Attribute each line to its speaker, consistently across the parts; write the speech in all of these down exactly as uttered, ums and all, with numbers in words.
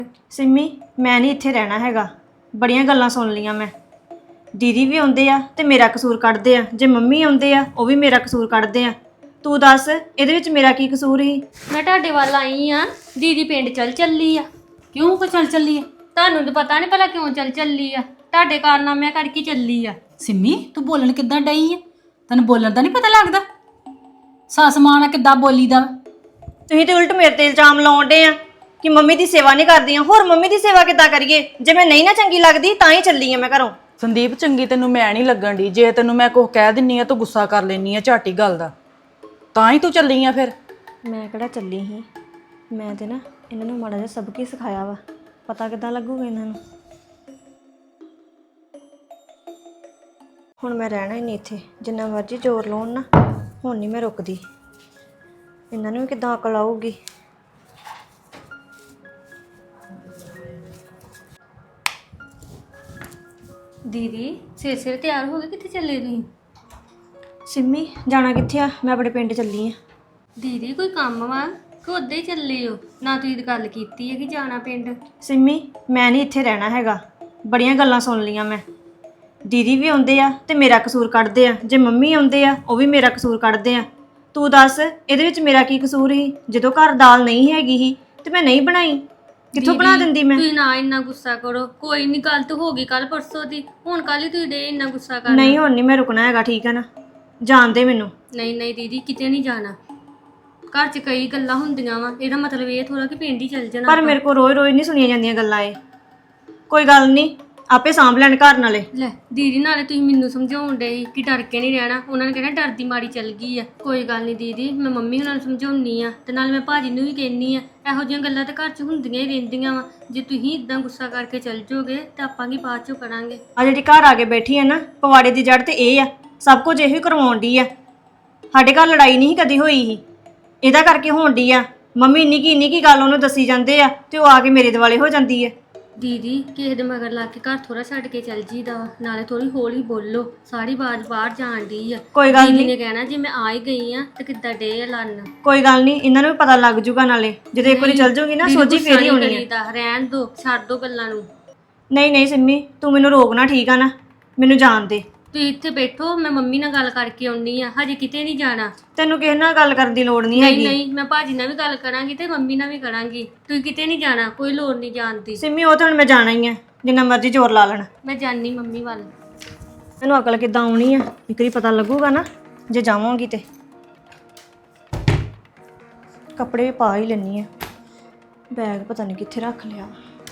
Speaker 1: सिमी मैं नहीं इत्थे रहना हैगा। बड़ियां गल्लां सुन लियां मैं। दीदी भी आउंदे आ ते मेरा कसूर कढ़दे आ, जे मम्मी आउंदे आ ਉਹ ਵੀ ਮੇਰਾ ਕਸੂਰ ਕੱਢਦੇ ਆ। ਤੂੰ ਦੱਸ ਇਹਦੇ ਵਿੱਚ ਮੇਰਾ ਕੀ ਕਸੂਰ ਸੀ?
Speaker 2: ਮੈਂ ਤੁਹਾਡੇ ਵੱਲ ਆਈ ਆ, ਦੀਦੀ ਪਿੰਡ ਚੱਲ ਚੱਲੀ ਆ।
Speaker 3: ਕਿਉਂ ਕੋ ਚੱਲ ਚੱਲੀ ਆ?
Speaker 2: ਤੁਹਾਨੂੰ ਤਾਂ ਪਤਾ ਨਹੀਂ ਭਲਾ ਕਿਉਂ ਚੱਲ ਚੱਲੀ ਆ, ਤੁਹਾਡੇ ਕਾਰਨਾਮਿਆਂ ਕਰਕੇ ਚੱਲੀ ਆ।
Speaker 3: ਸਿੰਮੀ ਤੂੰ ਬੋਲਣ ਕਿੱਦਾਂ ਡਈ ਆ? ਤੈਨੂੰ ਬੋਲਣ ਦਾ ਨਹੀਂ ਪਤਾ ਲੱਗਦਾ? ਸੱਸ ਮਾਂ ਨਾਲ ਕਿੱਦਾਂ ਬੋਲੀਦਾ?
Speaker 1: ਤੁਸੀਂ ਤੇ ਉਲਟ ਮੇਰੇ ਤੇ ਇਲਜ਼ਾਮ ਲਾਉਂਦੇ ਆ ਕਿ ਮੰਮੀ ਦੀ ਸੇਵਾ ਨਹੀਂ ਕਰਦੀਆਂ। ਹੋਰ ਮੰਮੀ ਦੀ ਸੇਵਾ ਕਿੱਦਾਂ ਕਰੀਏ? ਜੇ ਮੈਂ ਨਹੀਂ ਨਾ ਚੰਗੀ ਲੱਗਦੀ ਤਾਂ ਹੀ ਚੱਲੀ ਆ ਮੈਂ ਘਰੋਂ।
Speaker 4: ਸੰਦੀਪ ਚੰਗੀ ਤੈਨੂੰ ਮੈਂ ਨਹੀਂ ਲੱਗਣ ਦੀ। ਜੇ ਤੈਨੂੰ ਮੈਂ ਕੁਝ ਕਹਿ ਦਿੰਨੀ ਆ ਤੂੰ ਗੁੱਸਾ ਕਰ ਲੈਨੀ ਆ ਝਾਟੀ ਗੱਲ ਦਾ, ਤਾਂ ਹੀ ਤੂੰ ਚੱਲੀ ਆ। ਫਿਰ
Speaker 1: ਮੈਂ ਕਿਹੜਾ ਚੱਲੀ ਸੀ, ਮੈਂ ਤੇ ਨਾ ਇਹਨਾਂ ਨੂੰ ਮਾੜਾ ਜਿਹਾ ਸਬਕ ਹੀ ਸਿਖਾਇਆ ਵਾ। ਪਤਾ ਕਿੱਦਾਂ ਲੱਗੂਗਾ ਇਹਨਾਂ ਨੂੰ। ਹੁਣ ਮੈਂ ਰਹਿਣਾ ਹੀ ਨਹੀਂ ਇੱਥੇ, ਜਿੰਨਾ ਮਰਜ਼ੀ ਜ਼ੋਰ ਲਾਉਣ ਨਾ, ਹੁਣ ਨਹੀਂ ਮੈਂ ਰੁਕਦੀ। ਇਹਨਾਂ ਨੂੰ ਵੀ ਕਿੱਦਾਂ ਅਕਲ ਆਊਗੀ।
Speaker 2: ਦੀਦੀ ਸਿਰ ਸਿਰ ਤਿਆਰ ਹੋ ਗਏ, ਕਿੱਥੇ ਚੱਲੇ ਤੁਸੀਂ?
Speaker 1: ਸਿੰਮੀ ਜਾਣਾ ਕਿੱਥੇ ਆ? ਮੈਂ ਆਪਣੇ ਪਿੰਡ ਚੱਲੀ ਆ।
Speaker 2: ਦੀਦੀ ਕੋਈ ਕੰਮ ਵਾ ਕਿ ਉੱਦਾਂ ਹੀ ਚੱਲੇ ਹੋ? ਨਾ ਤੁਸੀਂ ਤਾਂ ਗੱਲ ਕੀਤੀ ਹੈ ਕਿ ਜਾਣਾ ਪਿੰਡ।
Speaker 1: ਸਿੰਮੀ ਮੈਂ ਨਹੀਂ ਇੱਥੇ ਰਹਿਣਾ ਹੈਗਾ। ਬੜੀਆਂ ਗੱਲਾਂ ਸੁਣ ਲੀਆਂ ਮੈਂ। ਦੀਦੀ ਵੀ ਆਉਂਦੇ ਆ ਤੇ ਮੇਰਾ ਕਸੂਰ ਕੱਢਦੇ ਆ, ਜੇ ਮੰਮੀ ਆਉਂਦੇ ਆ ਉਹ ਵੀ ਮੇਰਾ ਕਸੂਰ ਕੱਢਦੇ ਆ। ਤੂੰ ਦੱਸ ਇਹਦੇ ਵਿੱਚ ਮੇਰਾ ਕੀ ਕਸੂਰ ਸੀ? ਜਦੋਂ ਘਰ ਦਾਲ ਨਹੀਂ ਹੈਗੀ ਸੀ ਤੇ ਮੈਂ ਨਹੀਂ ਬਣਾਈ, ਕਿੱਥੋਂ ਬਣਾ ਦਿੰਦੀ ਮੈਂ?
Speaker 2: ਤੁਸੀਂ ਨਾ ਇੰਨਾ ਗੁੱਸਾ ਕਰੋ, ਕੋਈ ਨਹੀਂ, ਗੱਲ ਤਾਂ ਹੋ ਗਈ ਕੱਲ ਪਰਸੋਂ ਦੀ, ਹੁਣ ਕੱਲ ਹੀ ਤੁਸੀਂ ਡੇ ਇੰਨਾ ਗੁੱਸਾ ਕਰਨਾ।
Speaker 1: ਨਹੀਂ ਹੁਣ ਨਹੀਂ ਮੈਂ ਰੁਕਣਾ ਹੈਗਾ, ਠੀਕ ਹੈ ਨਾ? ਜਾਣ ਦੇ ਮੈਨੂੰ।
Speaker 2: ਨਹੀਂ ਨਹੀਂ ਦੀਦੀ ਕਿਤੇ ਨਹੀਂ ਜਾਣਾ। ਘਰ 'ਚ ਕਈ ਗੱਲਾਂ ਹੁੰਦੀਆਂ ਵਾ, ਇਹਦਾ ਮਤਲਬ ਇਹ ਥੋੜਾ ਕਿ ਪਿੰਡ ਹੀ ਚੱਲ ਜਾਣਾ।
Speaker 1: ਪਰ ਮੇਰੇ ਕੋਲ ਰੋਜ਼ ਰੋਜ਼ ਨਹੀਂ ਸੁਣੀਆਂ ਜਾਂਦੀਆਂ ਗੱਲਾਂ ਇਹ। ਕੋਈ ਗੱਲ ਨਹੀਂ, ਆਪੇ ਸਾਂਭ ਲੈਣ ਘਰ ਨਾਲੇ।
Speaker 2: ਲੈ ਦੀਦੀ ਨਾਲੇ ਤੁਸੀਂ ਮੈਨੂੰ ਸਮਝਾਉਣ ਡੇ ਸੀ ਕਿ ਡਰ ਕੇ ਨਹੀਂ ਰਹਿਣਾ, ਉਹਨਾਂ ਨੇ ਕਹਿਣਾ ਡਰਦੀ ਮਾਰੀ ਚੱਲ ਗਈ ਆ। ਕੋਈ ਗੱਲ ਨਹੀਂ ਦੀਦੀ, ਮੈਂ ਮੰਮੀ ਉਹਨਾਂ ਨੂੰ ਸਮਝਾਉਣੀ ਆ ਤੇ ਨਾਲ ਮੈਂ ਭਾਜੀ ਨੂੰ ਵੀ ਕਹਿੰਨੀ ਆ। ਇਹੋ ਜਿਹੀਆਂ ਗੱਲਾਂ ਤਾਂ ਘਰ 'ਚ ਹੁੰਦੀਆਂ ਹੀ ਰਹਿੰਦੀਆਂ ਵਾ। ਜੇ ਤੁਸੀਂ ਇਦਾਂ ਗੁੱਸਾ ਕਰਕੇ ਚੱਲ ਜਾਓਗੇ ਤਾਂ ਆਪਾਂ ਕੀ ਬਾਅਦ 'ਚੋਂ ਕਰਾਂਗੇ?
Speaker 1: ਆ ਜਿਹੜੀ ਘਰ ਆ ਕੇ ਬੈਠੀ ਹੈ ਨਾ, ਪਵਾੜੇ ਦੀ ਜੜ ਤੇ ਇਹ ਆ। ਸਭ ਕੁਝ ਇਹੋ ਹੀ ਕਰਵਾਉਣ ਡਈ ਆ। ਸਾਡੇ ਘਰ ਲੜਾਈ ਨਹੀਂ ਕਦੀ ਹੋਈ ਸੀ, ਇਹਦਾ ਕਰਕੇ ਹੋਣ ਡਈ ਆ। ਮੰਮੀ ਇੰਨੀ ਕੀ ਇੰਨੀ ਕੀ ਗੱਲ ਉਹਨੂੰ ਦੱਸੀ ਜਾਂਦੇ ਆ ਤੇ ਉਹ ਆ ਕੇ ਮੇਰੇ ਦੁਆਲੇ ਹੋ ਜਾਂਦੀ ਹੈ।
Speaker 2: ਦੀਦੀ ਕਿਸੇ ਦੇ ਮਗਰ ਲਾ ਕੇ ਘਰ ਥੋੜਾ ਛੱਡ ਕੇ ਚੱਲ ਜੀਦਾ ਵਾ, ਨਾਲੇ ਥੋੜੀ ਹੌਲੀ ਬੋਲੋ, ਸਾਰੀ ਆਵਾਜ਼ ਬਾਹਰ ਜਾਣ ਡਈ ਆ।
Speaker 1: ਕੋਈ ਗੱਲ
Speaker 2: ਦੀਦੀ
Speaker 1: ਨਹੀਂ,
Speaker 2: ਨੇ ਕਹਿਣਾ ਜੇ ਮੈਂ ਆ ਹੀ ਗਈ ਆ ਤੇ ਕਿੱਦਾਂ ਡੇ ਲੰਨ।
Speaker 1: ਕੋਈ ਗੱਲ ਨਹੀਂ, ਇਹਨਾਂ ਨੂੰ ਵੀ ਪਤਾ ਲੱਗ ਜੂਗਾ ਨਾਲੇ। ਜਦੋਂ ਇੱਕ ਵਾਰੀ ਚੱਲ ਜਾਊਗੀ ਨਾ ਸੋਝੀ ਫੇਰ ਹੀ ਹੋਣੀ ਹੈ।
Speaker 2: ਰਹਿਣ ਦੋ, ਛੱਡ ਦੋ ਗੱਲਾਂ ਨੂੰ।
Speaker 1: ਨਹੀਂ ਨਹੀਂ ਸਿੰਮੀ ਤੂੰ ਮੈਨੂੰ ਰੋਕਣਾ, ਠੀਕ ਆ ਨਾ? ਮੈਨੂੰ ਜਾਣ ਦੇ।
Speaker 2: ਤੁਸੀਂ ਇੱਥੇ ਬੈਠੋ, ਮੈਂ ਮੰਮੀ ਨਾਲ ਗੱਲ ਕਰਕੇ ਆਉਣੀ ਆ, ਹਜੇ ਕਿਤੇ ਨਹੀਂ ਜਾਣਾ।
Speaker 1: ਤੈਨੂੰ ਕਿਸੇ ਨਾਲ ਗੱਲ ਕਰਨ ਦੀ ਲੋੜ ਨਹੀਂ
Speaker 2: ਨਹੀਂ
Speaker 1: ਹੈਗੀ।
Speaker 2: ਨਹੀਂ ਮੈਂ ਭਾਜੀ ਨਾਲ ਵੀ ਗੱਲ ਕਰਾਂਗੀ ਤੇ ਮੰਮੀ ਨਾਲ ਵੀ ਕਰਾਂਗੀ। ਤੁਸੀਂ ਕਿਤੇ ਨਹੀਂ ਜਾਣਾ, ਕੋਈ ਲੋੜ ਨਹੀਂ ਜਾਣ ਦੀ।
Speaker 1: ਸਿੰਮੀ ਉਹ ਤਾਂ ਹੁਣ ਮੈਂ ਜਾਣਾ ਹੀ ਆ, ਜਿੰਨਾ ਮਰਜ਼ੀ ਜ਼ੋਰ ਲਾ ਲੈਣ।
Speaker 2: ਮੈਂ ਜਾਣੀ ਮੰਮੀ ਵੱਲ।
Speaker 1: ਮੈਨੂੰ ਅਕਲ ਕਿੱਦਾਂ ਆਉਣੀ ਆ, ਇੱਕ ਵਾਰੀ ਪਤਾ ਲੱਗੂਗਾ ਨਾ ਜੇ ਜਾਵਾਂਗੀ ਤੇ। ਕੱਪੜੇ ਵੀ ਪਾ ਹੀ ਲੈਣੀ ਆ, ਬੈਗ ਪਤਾ ਨਹੀਂ ਕਿੱਥੇ ਰੱਖ ਲਿਆ।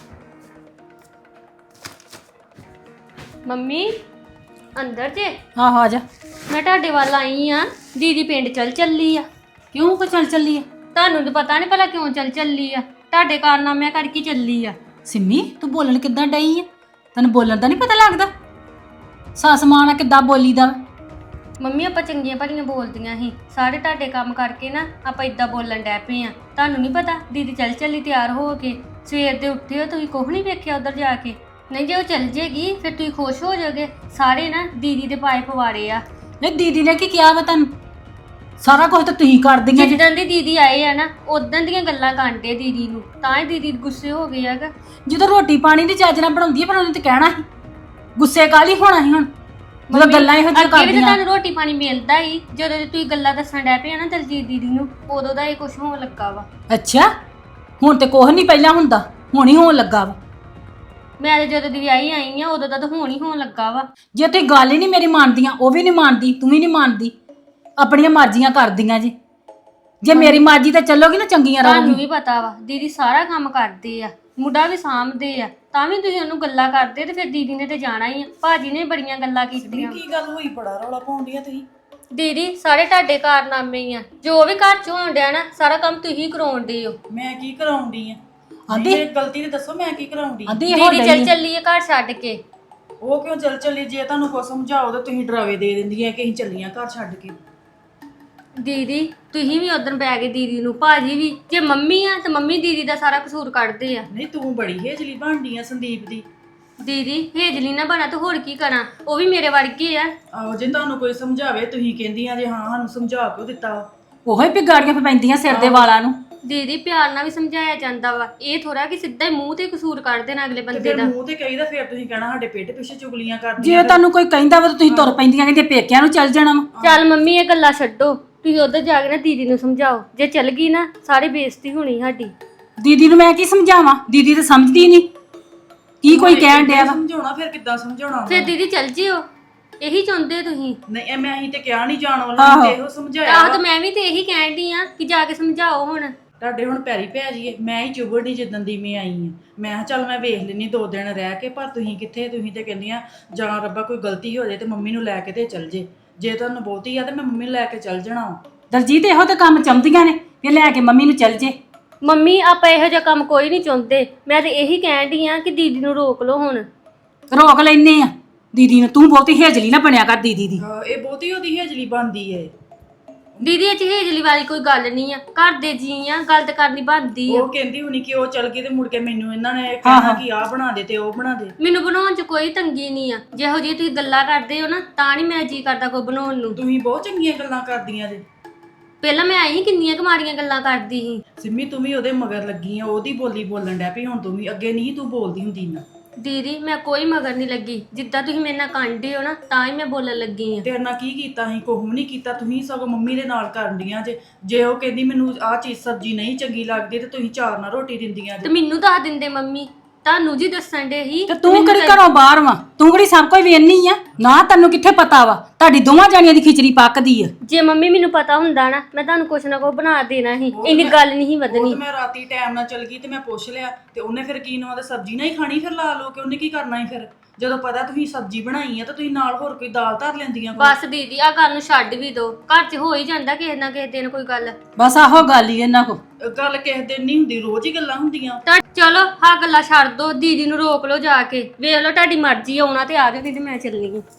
Speaker 2: ਮੰਮੀ ਅੰਦਰ ਜੇ?
Speaker 3: ਆਹੋ ਆ ਜਾ।
Speaker 2: ਮੈਂ ਤੁਹਾਡੇ ਵੱਲ ਆਈ ਆ, ਦੀਦੀ ਪਿੰਡ ਚੱਲ ਚੱਲੀ ਆ।
Speaker 3: ਕਿਉਂ ਕੋ ਚੱਲ ਚੱਲੀ ਆ?
Speaker 2: ਤੁਹਾਨੂੰ ਤਾਂ ਪਤਾ ਨਹੀਂ ਭਲਾ ਕਿਉਂ ਚੱਲ ਚੱਲੀ ਆ, ਤੁਹਾਡੇ ਕਾਰਨਾਮਿਆਂ ਕਰਕੇ ਚੱਲੀ ਆ।
Speaker 3: ਸਿੰਮੀ ਤੂੰ ਬੋਲਣ ਕਿੱਦਾਂ ਡਈ ਆ? ਤੈਨੂੰ ਬੋਲਣ ਦਾ ਨਹੀਂ ਪਤਾ ਲੱਗਦਾ? ਸੱਸ ਮਾਂ ਨਾਲ ਕਿੱਦਾਂ ਬੋਲੀਦਾ?
Speaker 2: ਮੰਮੀ ਆਪਾਂ ਚੰਗੀਆਂ ਭਲੀਆਂ ਬੋਲਦੀਆਂ ਸੀ, ਸਾਰੇ ਤੁਹਾਡੇ ਕੰਮ ਕਰਕੇ ਨਾ ਆਪਾਂ ਇਦਾਂ ਬੋਲਣ ਡੈ ਪਏ ਆ। ਤੁਹਾਨੂੰ ਨਹੀਂ ਪਤਾ ਦੀਦੀ ਚੱਲ ਚੱਲੀ ਤਿਆਰ ਹੋ ਕੇ, ਸਵੇਰ ਦੇ ਉੱਠੇ ਹੋ ਤੁਸੀਂ ਕੁਝ ਨਹੀਂ ਵੇਖਿਆ ਉਧਰ ਜਾ ਕੇ? ਨਹੀਂ ਜੇ ਉਹ ਚੱਲ ਜੇਗੀ ਫਿਰ ਤੁਸੀਂ ਖੁਸ਼ ਹੋ ਜਾਓਗੇ। ਸਾਰੇ ਨਾ ਦੀਦੀ ਦੇ ਪਾਏ ਪਵਾੜੇ ਆ।
Speaker 3: ਨਹੀਂ ਦੀਦੀ ਨੇ ਕੀ ਕਿਹਾ ਵਾ ਤੈਨੂੰ? ਸਾਰਾ ਕੁਝ ਤਾਂ ਤੁਸੀਂ ਕਰਦੀਆਂ ਜੀ।
Speaker 2: ਜਿੱਦਾਂ ਦੀ ਦੀਦੀ ਆਏ ਆ ਨਾ ਉਦਾਂ ਦੀਆਂ ਗੱਲਾਂ ਕਾਂਡੇ ਦੀਦੀ ਨੂੰ, ਤਾਂ ਹੀ ਦੀਦੀ ਗੁੱਸੇ ਹੋ ਗਏ ਹੈਗਾ।
Speaker 3: ਜਦੋਂ ਰੋਟੀ ਪਾਣੀ ਦੀ ਚੱਜ ਨਾਲ ਬਣਾਉਂਦੀ ਆ ਪਰ ਉਹਨੇ ਤੇ ਕਹਿਣਾ ਸੀ, ਗੁੱਸੇ ਕਾਲੀ ਹੋਣਾ ਸੀ ਹੁਣ ਜਦੋਂ ਗੱਲਾਂ ਇਹੋ ਜਿਹੀਆਂ
Speaker 2: ਅੱਗੇ ਵੀ ਤਾਂ
Speaker 3: ਕਰਦੀਆਂ।
Speaker 2: ਤੁਹਾਨੂੰ ਰੋਟੀ ਪਾਣੀ ਮਿਲਦਾ ਹੀ, ਜਦੋਂ ਤੁਸੀਂ ਗੱਲਾਂ ਦੱਸਣ ਡੈ ਪਏ ਆ ਨਾ ਦਲਜੀਤ ਦੀਦੀ ਨੂੰ, ਉਦੋਂ ਦਾ ਇਹ ਕੁਝ ਹੋਣ ਲੱਗਾ ਵਾ।
Speaker 3: ਅੱਛਾ ਹੁਣ ਤੇ ਕੁਛ ਨਹੀਂ ਪਹਿਲਾਂ ਹੁੰਦਾ, ਹੁਣ ਹੀ ਹੋਣ ਲੱਗਾ ਵਾ।
Speaker 2: ਮੈਂ ਤਾਂ ਜਦੋਂ ਦੀ ਵਿਆਹੀ ਆਈ ਆ ਉਦੋਂ ਦਾ ਤਾਂ ਹੁਣ ਹੀ ਹੋਣ ਲੱਗਾ ਵਾ।
Speaker 3: ਜੇ ਤੁਸੀਂ ਗੱਲ ਹੀ ਨਹੀਂ ਮੇਰੀ ਮੰਨਦੀਆਂ, ਉਹ ਵੀ ਨਹੀਂ ਮੰਨਦੀ, ਤੂੰ ਵੀ ਨਹੀਂ ਮੰਨਦੀ, ਆਪਣੀਆਂ ਮਰਜ਼ੀਆਂ ਕਰਦੀਆਂ ਜੀ। ਜੇ ਮੇਰੀ ਮਰਜ਼ੀ ਤੇ ਚੱਲੋਗੀ ਨਾ ਚੰਗੀਆਂ
Speaker 2: ਤੁਹਾਨੂੰ
Speaker 3: ਰਹੋਗੀ।
Speaker 2: ਵੀ ਪਤਾ ਵਾ ਦੀਦੀ ਸਾਰਾ ਕੰਮ ਕਰਦੇ ਆ, ਮੁੰਡਾ ਵੀ ਸਾਂਭਦੇ ਆ, ਤਾਂ ਵੀ ਤੁਸੀਂ ਉਹਨੂੰ ਗੱਲਾਂ ਕਰਦੇ ਤੇ ਫਿਰ ਦੀਦੀ ਨੇ ਤੇ ਜਾਣਾ ਹੀ ਆ। ਭਾਜੀ ਨੇ ਬੜੀਆਂ ਗੱਲਾਂ ਕੀਤੀਆਂ।
Speaker 4: ਕੀ ਗੱਲ ਹੋਈ? ਬੜਾ ਰੌਲਾ ਪਾਉਂਦੀ ਆ ਤੁਸੀਂ।
Speaker 2: ਦੀਦੀ ਸਾਰੇ ਤੁਹਾਡੇ ਕਾਰਨਾਮੇ ਹੀ ਆ, ਜੋ ਵੀ ਘਰ ਚ ਹੋਣ ਡਿਆ ਨਾ ਸਾਰਾ ਕੰਮ ਤੁਸੀਂ ਕਰਾਉਣ ਡੇ ਹੋ।
Speaker 4: ਮੈਂ ਕੀ ਕਰਾਉਂਦੀ ਆ?
Speaker 3: ਆਂਦੀ
Speaker 4: ਇਹ ਗਲਤੀ ਤੇ ਦੱਸੋ, ਮੈਂ ਕੀ ਕਰਾਉਂਦੀ?
Speaker 3: ਆਂਦੀ ਇਹੋ
Speaker 2: ਦੀਦੀ ਚੱਲ ਚੱਲੀ ਆ ਘਰ ਛੱਡ ਕੇ।
Speaker 4: ਉਹ ਕਿਉਂ ਚੱਲ ਚੱਲੀ? ਜੇ ਤੁਹਾਨੂੰ ਕੁਛ ਸਮਝਾਓ ਤਾਂ ਤੁਸੀਂ ਡਰਾਵੇ ਦੇ ਦਿੰਦੀਆਂ ਕਿ ਅਸੀਂ ਚੱਲੀਆਂ ਘਰ ਛੱਡ ਕੇ।
Speaker 2: ਦੀਦੀ ਤੁਸੀਂ ਵੀ ਉਧਰ ਬੈ ਗਏ ਦੀਦੀ ਨੂੰ, ਭਾਜੀ ਵੀ। ਜੇ ਮੰਮੀ ਆ ਤੇ ਮੰਮੀ ਦੀਦੀ ਦਾ ਸਾਰਾ ਕਸੂਰ ਕੱਢਦੇ ਆ।
Speaker 4: ਨਹੀਂ ਤੂੰ ਬੜੀ ਹੇਜਲੀ ਬਣਦੀ ਆ ਸੰਦੀਪ ਦੀ।
Speaker 2: ਦੀਦੀ ਹੇਜਲੀ ਨਾ ਬਣਾ ਤਾਂ ਹੋਰ ਕੀ ਕਰਾਂ, ਉਹ ਵੀ ਮੇਰੇ ਵਰਗੇ ਆ।
Speaker 4: ਆਹੋ ਜੇ ਤੁਹਾਨੂੰ ਕੋਈ ਸਮਝਾਵੇ ਤੁਸੀਂ ਕਹਿੰਦੀਆਂ ਜੇ ਹਾਂ ਸਾਨੂੰ ਸਮਝਾ ਕਿਉਂ ਦਿੱਤਾ?
Speaker 3: ਉਹੋ ਹੀ ਪਿਗਾੜੀਆਂ ਪੈਂਦੀਆਂ ਸਿਰ ਦੇ ਵਾਲਾਂ ਨੂੰ।
Speaker 2: ਦੀਦੀ ਪਿਆਰ ਨਾਲ ਵੀ ਸਮਝਾਇਆ ਜਾਂਦਾ ਵਾ, ਇਹ ਥੋੜਾ ਕਿ ਸਿੱਧਾ ਹੀ ਮੂੰਹ ਤੇ ਕਸੂਰ ਕੱਢ ਦੇਣਾ ਅਗਲੇ
Speaker 4: ਤੇ
Speaker 2: ਬੰਦੇ
Speaker 4: ਫਿਰ
Speaker 2: ਦਾ।
Speaker 4: ਮੂੰਹ ਤੇ ਕਹੀਦਾ ਫਿਰ ਤੁਸੀਂ ਕਹਿਣਾ ਸਾਡੇ ਪੇਟ ਪਿੱਛੇ ਚੁਗਲੀਆਂ ਕਰਦੀਆਂ
Speaker 3: ਜੇ ਤੁਹਾਨੂੰ ਕੋਈ ਕਹਿੰਦਾ ਵਾ ਤਾਂ ਤੁਸੀਂ ਤੁਰ ਪੈਂਦੀਆਂ ਕਹਿੰਦੇ ਪੇਕਿਆਂ ਨੂੰ ਚੱਲ ਜਾਣਾ ਵਾ।
Speaker 2: ਚੱਲ ਮੰਮੀ ਇਹ ਗੱਲਾਂ ਛੱਡੋ, ਤੁਸੀਂ ਉਧਰ ਜਾ ਕੇ ਨਾ ਦੀਦੀ ਨੂੰ ਸਮਝਾਓ, ਜੇ ਚੱਲ ਗਈ ਨਾ ਸਾਰੀ ਬੇਇੱਜ਼ਤੀ ਹੋਣੀ ਸਾਡੀ।
Speaker 3: ਦੀਦੀ ਨੂੰ ਮੈਂ ਕੀ ਸਮਝਾਵਾਂ, ਦੀਦੀ ਤਾਂ ਸਮਝਦੀ ਨਹੀਂ ਕੀ ਕੋਈ ਕਹਿਣ ਡਿਆ ਵਾ।
Speaker 4: ਸਮਝਾਉਣਾ ਫਿਰ ਕਿੱਦਾਂ ਸਮਝਾਉਣਾ
Speaker 2: ਫਿਰ ਦੀਦੀ ਚੱਲ ਜਿਓ, ਇਹੀ ਚਾਹੁੰਦੇ ਤੁਸੀਂ।
Speaker 4: ਨਹੀਂ ਇਹ ਮੈਂ ਹੀ ਤੇ ਕਿਹਾ ਨਹੀਂ ਜਾਣ ਵਾਲਾ, ਤੇ ਇਹੋ ਸਮਝਾਇਆ
Speaker 2: ਆਹ
Speaker 4: ਵਾ।
Speaker 2: ਤਾਂ ਮੈਂ ਵੀ ਤੇ ਇਹੀ ਕਹਿਣ ਡਈ ਆ ਕਿ ਜਾ ਕੇ ਸਮਝਾਓ ਹੁਣ।
Speaker 4: ਤੁਹਾਡੇ ਹੁਣ ਪੈਰੀ ਪੈ ਜੀਏ, ਮੈਂ ਹੀ ਚੁਬੜੀ ਜਿੱਦਣ ਦੀ ਮੈਂ ਆਈ ਆ। ਮੈਂ ਕਿਹਾ ਚੱਲ ਮੈਂ ਵੇਖ ਲੈਣੀ ਦੋ ਦਿਨ ਰਹਿ ਕੇ, ਪਰ ਤੁਸੀਂ ਕਿੱਥੇ, ਤੁਸੀਂ ਤੇ ਕਹਿੰਦੀਆਂ ਜਾਂ ਰੱਬਾ ਕੋਈ ਗਲਤੀ ਹੋ ਜਾਏ ਤੇ ਮੰਮੀ ਨੂੰ ਲੈ ਕੇ ਤੇ ਚੱਲ ਜੇ, ਜੇ ਤੁਹਾਨੂੰ ਬਹੁਤੀ ਆ ਤੇ ਮੈਂ ਮੰਮੀ ਨੂੰ ਲੈ ਕੇ ਚੱਲ ਜਾਣਾ ਵਾ।
Speaker 3: ਦਲਜੀਤ ਇਹੋ ਤੇ ਕੰਮ ਚਾਹੁੰਦੀਆਂ ਨੇ ਵੀ ਲੈ ਕੇ ਮੰਮੀ ਨੂੰ ਚੱਲ ਜੇ।
Speaker 2: ਮੰਮੀ ਆਪਾਂ ਇਹੋ ਜਿਹਾ ਕੰਮ ਕੋਈ ਨਹੀਂ ਚਾਹੁੰਦੇ, ਮੈਂ ਤੇ ਇਹੀ ਕਹਿਣ ਡਈ ਆ ਕਿ ਦੀਦੀ ਨੂੰ ਰੋਕ ਲਓ ਹੁਣ।
Speaker 3: ਰੋਕ ਲੈਨੇ ਆ ਦੀਦੀ ਨੂੰ, ਤੂੰ ਬਹੁਤੀ ਹੇਜਲੀ ਨਾ ਬਣਿਆ ਕਰ ਦੀਦੀ ਦੀ।
Speaker 4: ਹਾਂ, ਇਹ ਬਹੁਤੀ ਉਹਦੀ ਹੇਜਲੀ ਬਣਦੀ ਏ।
Speaker 2: ਦੀਦੀ ਇਹ ਚ ਹੇਜਲੀ ਵਾਲੀ ਕੋਈ ਗੱਲ ਨਹੀਂ ਆ, ਘਰ ਦੇ ਜੀ ਆ, ਗੱਲ ਤਾਂ ਕਰਨੀ ਬਣਦੀ ਆ।
Speaker 4: ਉਹ ਕਹਿੰਦੀ ਹੁਣੀ ਕਿ ਉਹ ਚੱਲ ਗਈ ਤੇ ਮੁੜ ਕੇ ਮੈਨੂੰ ਇਹਨਾਂ ਨੇ ਕਹਿਣਾ ਕਿ ਆਹ ਬਣਾ ਦੇ ਤੇ ਉਹ ਬਣਾ ਦੇ।
Speaker 2: ਮੈਨੂੰ ਬਣਾਉਣ ਚ ਕੋਈ ਤੰਗੀ ਨਹੀਂ ਆ, ਜਿਹੋ ਜਿਹੀ ਤੁਸੀਂ ਗੱਲਾਂ ਕਰਦੇ ਹੋ ਨਾ ਤਾਂ ਨਹੀਂ ਮੈਂ ਜੀ ਕਰਦਾ ਕੋਈ ਬਣਾਉਣ ਨੂੰ।
Speaker 4: ਤੁਸੀਂ ਬਹੁਤ ਚੰਗੀਆਂ ਗੱਲਾਂ ਕਰਦੀਆਂ ਜੇ।
Speaker 2: ਪਹਿਲਾਂ ਮੈਂ ਆਈ ਕਿੰਨੀਆਂ ਕੁ ਗੱਲਾਂ ਕਰਦੀ ਸੀ।
Speaker 4: ਸਿੰਮੀ ਤੂੰ ਵੀ ਉਹਦੇ ਮਗਰ ਲੱਗੀ ਆ, ਉਹਦੀ ਬੋਲੀ ਬੋਲਣ ਡੈ ਪਈ ਹੁਣ ਤੂੰ ਵੀ, ਅੱਗੇ ਨਹੀਂ ਤੂੰ ਬੋਲਦੀ ਹੁੰਦੀ ਨਾ।
Speaker 2: ਦੀਦੀ ਮੈਂ ਕੋਈ ਮਗਰ ਨਹੀਂ ਲੱਗੀ, ਜਿੱਦਾਂ ਤੁਸੀਂ ਮੇਰੇ ਨਾਲ ਕਾਂਡੇ ਹੋ ਨਾ ਤਾਂ ਹੀ ਮੈਂ ਬੋਲਣ ਲੱਗੀ ਆ।
Speaker 4: ਤੇਰੇ ਨਾਲ ਕੀ ਕੀਤਾ ਸੀ? ਕੁਛ ਵੀ ਨਹੀਂ ਕੀਤਾ। ਤੁਸੀਂ ਸਗੋਂ ਮੰਮੀ ਦੇ ਨਾਲ ਕਰਨ ਡੀਆਂ ਜੇ। ਜੇ ਉਹ ਕਹਿੰਦੀ ਮੈਨੂੰ ਆਹ ਚੀਜ਼ ਸਬਜ਼ੀ ਨਹੀਂ ਚੰਗੀ ਲੱਗਦੀ ਤੇ ਤੁਸੀਂ ਚਾਰ ਨਾਲ ਰੋਟੀ ਦਿੰਦੀਆਂ
Speaker 2: ਤੇ
Speaker 4: ਜੇ।
Speaker 2: ਮੈਨੂੰ ਦੱਸ ਦਿੰਦੇ ਮੰਮੀ, ਤੁਹਾਨੂੰ ਜੀ ਦੱਸਣ ਦੇ ਹੀ।
Speaker 3: ਤੇ ਤੂੰ ਕਿਹੜੀ ਘਰੋਂ ਬਾਹਰ ਵਾ, ਤੂੰ ਕਿਹੜੀ ਸਭ ਕੋਈ ਵੇਖਣੀ ਆ ਨਾ, ਤੈਨੂੰ ਕਿੱਥੇ ਪਤਾ ਵਾ ਤੁਹਾਡੀ ਦੋਵਾਂ ਜਾਣੀਆਂ ਦੀ ਖਿਚੜੀ ਪੱਕਦੀ ਆ।
Speaker 2: ਜੇ ਮੰਮੀ ਮੈਨੂੰ ਪਤਾ ਹੁੰਦਾ ਨਾ ਮੈਂ ਤੁਹਾਨੂੰ ਕੁਛ ਨਾ ਕੁਛ ਬਣਾ ਦੇਣਾ ਸੀ, ਇੰਨੀ ਗੱਲ ਨਹੀਂ
Speaker 4: ਉਹ
Speaker 2: ਵਧਣੀ।
Speaker 4: ਤੇ ਮੈਂ ਰਾਤੀ ਟਾਈਮ ਨਾਲ ਚਲ ਗਈ ਤੇ ਮੈਂ ਪੁੱਛ ਲਿਆ ਤੇ ਉਹਨੇ ਫਿਰ ਕੀ ਨਾ ਉਹਦੇ ਸਬਜ਼ੀ ਨਹੀਂ ਖਾਣੀ, ਫਿਰ ਲਾ ਲਓ ਕਿ ਉਹਨੇ ਕੀ ਕਰਨਾ ਸੀ। ਫਿਰ ਜਦੋਂ ਪਤਾ ਤੁਸੀਂ ਸਬਜ਼ੀ ਬਣਾਈ ਆ ਤਾਂ ਤੁਸੀਂ ਨਾਲ ਹੋਰ ਕੋਈ ਦਾਲ ਧਰ ਲੈਂਦੀਆਂ ਕੋਈ।
Speaker 2: ਬਸ ਦੀਦੀ ਆ ਗੱਲ ਨੂੰ ਛੱਡ ਵੀ ਦੋ, ਘਰ 'ਚ ਹੋ ਹੀ ਜਾਂਦਾ ਕਿਸੇ ਨਾ ਕਿਸੇ ਦਿਨ ਕੋਈ ਗੱਲ।
Speaker 3: ਬਸ ਆਹੋ ਗੱਲ ਹੀ ਇਹਨਾਂ ਕੋ।
Speaker 4: ਗੱਲ ਕਿਸੇ ਦਿਨ ਨਹੀਂ ਹੁੰਦੀ, ਰੋਜ਼ ਹੀ ਗੱਲਾਂ ਹੁੰਦੀਆਂ।
Speaker 2: ਤਾਂ ਚਲੋ ਹਾਂ ਗੱਲਾਂ ਛੱਡ ਦੋ, ਦੀਦੀ ਨੂੰ ਰੋਕ ਲਓ ਜਾ ਕੇ, ਵੇਖ ਲਓ ਤੁਹਾਡੀ ਮਰਜ਼ੀ ਆਉਣਾ ਤੇ ਆ ਜਾਓ, ਨਹੀਂ ਤੇ ਮੈਂ ਚੱਲੀ ਹਾਂ।